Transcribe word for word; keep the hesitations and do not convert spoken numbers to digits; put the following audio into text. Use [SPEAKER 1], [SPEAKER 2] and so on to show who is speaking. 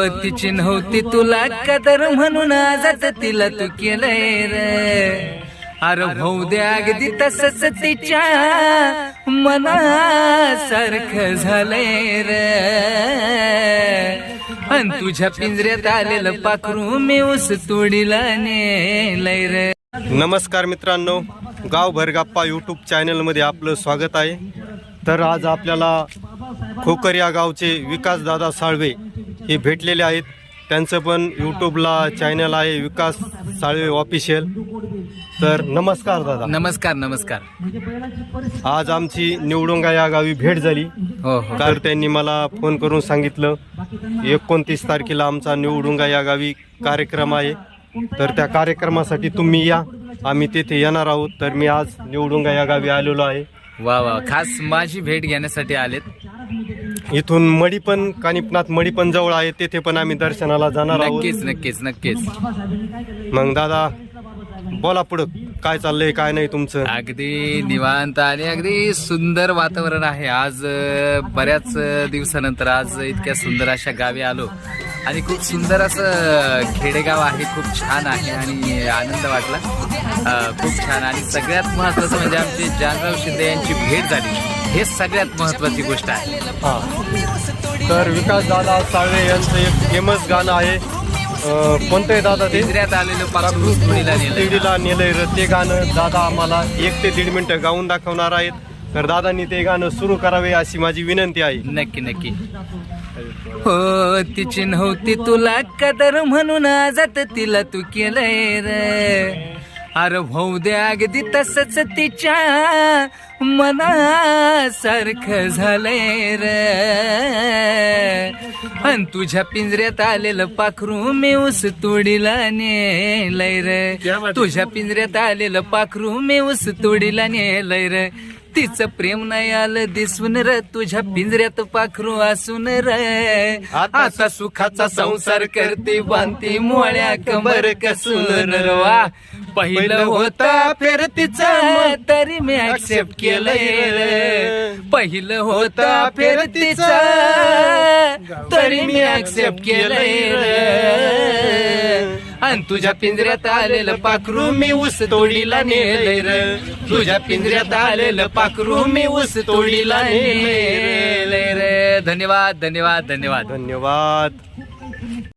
[SPEAKER 1] तिची नव्हती तुला कदर म्हणून आजच तिला तू केलंय रे. अरे भाऊ दे अगदी तसंच तिच्या मनासारखं झालंय रे. अन तुझ्या पिंजऱ्यात आलेलं पाखरू मी ऊस तोडीला नेलंय रे.
[SPEAKER 2] नमस्कार मित्रांनो, गावभर गप्पा यूट्यूब चॅनलमध्ये आपलं स्वागत आहे. तर आज आपल्याला खोकर या गावचे विकासदादा साळवे हे भेटलेले आहेत. त्यांचं पण यूट्यूबला चॅनल आहे विकास साळवे ऑफिशियल. तर नमस्कार दादा.
[SPEAKER 1] नमस्कार नमस्कार.
[SPEAKER 2] आज आमची निवडुंगा या गावी भेट झाली.
[SPEAKER 1] हो हो.
[SPEAKER 2] तर त्यांनी मला फोन करून सांगितलं एकोणतीस तारखेला आमचा निवडुंगा या गावी कार्यक्रम आहे, तर त्या कार्यक्रमासाठी तुम्ही या, आम्ही तेथे येणार आहोत. तर मी आज निवडुंगा या गावी आलेलो आहे.
[SPEAKER 1] वा वा, खास माझी भेट घेण्यासाठी आलेत.
[SPEAKER 2] इथून मडी पण कानिपनाथ मडी पण जवळ आहे, तेथे पण आम्ही दर्शनाला जाणार आहोत.
[SPEAKER 1] नक्कीच नक्कीच नक्कीच.
[SPEAKER 2] मग दादा बोला पुढं, काय चाललंय काय नाही तुमचं?
[SPEAKER 1] अगदी निवांत आणि अगदी सुंदर वातावरण आहे. आज अ, बऱ्याच अ, दिवसानंतर आज इतक्या सुंदर अशा गावी आलो आणि खूप सुंदर असं खेडेगाव आहे. खूप छान आहे आणि आनंद वाटला. अ, खूप छान. आणि सगळ्यात महत्वाचं म्हणजे आमचे जानराव शिंदे यांची भेट झाली, हे सगळ्यात महत्वाची गोष्ट आहे.
[SPEAKER 2] हा, तर विकास दादा साळवे यांचं एक फेमस गाणं आहे. अं, कोणतं आहे दादा ते?
[SPEAKER 1] पिंजऱ्यात आलेलं पाखरू तोडीला नेलंय.
[SPEAKER 2] तिडीला नेलंय रे. ते गाणं दादा आम्हाला एक ते दीड मिनिटं गाऊन दाखवणार आहेत. तर दादांनी ते गाणं सुरू करावे अशी माझी विनंती आहे.
[SPEAKER 1] नक्की नक्की. हो, तिची नव्हती तुला कदर म्हणून आजत तिला तू केलंय रे. अरे भाऊ दे अगदी तसंच तिच्या मनासारखं झालंय रे. अन तुझ्या पिंजऱ्यात आलेलं पाखरू मी ऊस तोडीला नेलंय रे. तुझ्या पिंजऱ्यात आलेलं पाखरू मी ऊस तोडीला नेलंय रे. तिचं प्रेम नाही आलं दिसून र, तुझ्या पिंजऱ्यात पाखरू असून रे. आता सुखाचा संसार करते बांधते मोळ्या कंबर कसून र. वा, पहिलं होता फेर तिचं तरी मी ऍक्सेप्ट केलंय रे. पहिलं होता फेर तिचं तरी मी ऍक्सेप्ट केलंय रे. आणि तुझ्या पिंजऱ्यात आलेलं पाखरू मी ऊस तोडीला नेलंय रे. तुझ्या पिंजऱ्यात आलेलं पाखरू मी ऊस तोडीला नेलंय रे. धन्यवाद धन्यवाद धन्यवाद
[SPEAKER 2] धन्यवाद.